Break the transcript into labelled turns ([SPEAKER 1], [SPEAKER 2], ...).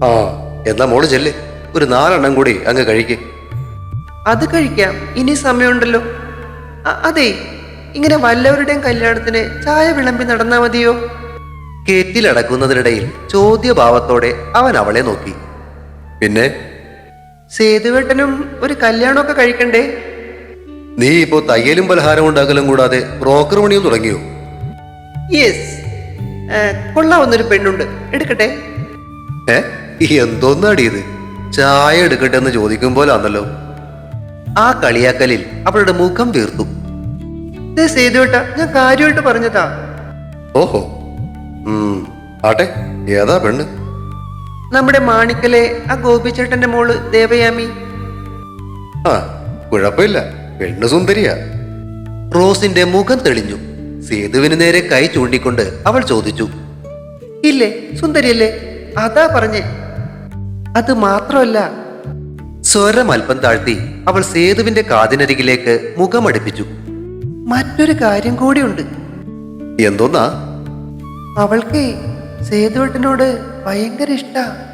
[SPEAKER 1] ആ, എന്നാ മോള് ചെല്ല്, ഒരു 4 കൂടി അങ്ങ് കഴിക്ക്.
[SPEAKER 2] അത് കഴിക്കാം, ഇനി സമയമുണ്ടല്ലോ. അതെ, ഇങ്ങനെ വല്ലവരുടെയും കല്യാണത്തിന് ചായ വിളമ്പി നടന്നാ മതിയോ?
[SPEAKER 1] കേറ്റിലടക്കുന്നതിനിടയിൽ ചോദ്യഭാവത്തോടെ അവൻ അവളെ നോക്കി. പിന്നെ
[SPEAKER 2] സേതുവേട്ടനും ഒരു കല്യാണമൊക്കെ കഴിക്കണ്ടേ?
[SPEAKER 1] നീ ഇപ്പോ തയ്യലും പലഹാരം ഉണ്ടാക്കലും കൂടാതെ ബ്രോക്കർ പണിയും തുടങ്ങിയോ?
[SPEAKER 2] യെസ്. കൊള്ളാവുന്നൊരു പെണ്ണുണ്ട്, എടുക്കട്ടെ?
[SPEAKER 1] ഏ, എന്തോന്നാടി ഇത്? ചായ എടുക്കട്ടെ എന്ന് ചോദിക്കും പോലാന്നല്ലോ. ആ കളിയാക്കലിൽ അവളുടെ മുഖം വീർത്തു.
[SPEAKER 2] സേതുവേട്ട, ഞാൻ കാര്യമായിട്ട് പറഞ്ഞതാ.
[SPEAKER 1] ഓഹോ, ആട്ടെ, ഏതാ പെണ്ണ്?
[SPEAKER 2] നമ്മുടെ മാണിക്കലെ ആ ഗോപിച്ചേട്ടന്റെ മോള് ദേവയാമി.
[SPEAKER 1] ആ, കുഴപ്പമില്ല, പെണ്ണ് സുന്ദരിയാ. റോസിന്റെ മുഖം തെളിഞ്ഞു. സേതുവിന് നേരെ കൈ ചൂണ്ടിക്കൊണ്ട് അവൾ ചോദിച്ചു.
[SPEAKER 2] ഇല്ലേ, സുന്ദരിയല്ലേ? അതാ പറഞ്ഞേ. അത് മാത്രമല്ല,
[SPEAKER 1] സ്വരം അല്പം താഴ്ത്തി അവൾ സേതുവിന്റെ കാതിനരികിലേക്ക് മുഖമടുപ്പിച്ചു.
[SPEAKER 2] മറ്റൊരു കാര്യം കൂടിയുണ്ട്.
[SPEAKER 1] എന്തോന്നാ?
[SPEAKER 2] അവൾക്ക് സേതുവേട്ടനോട് ഭയങ്കര ഇഷ്ടാ.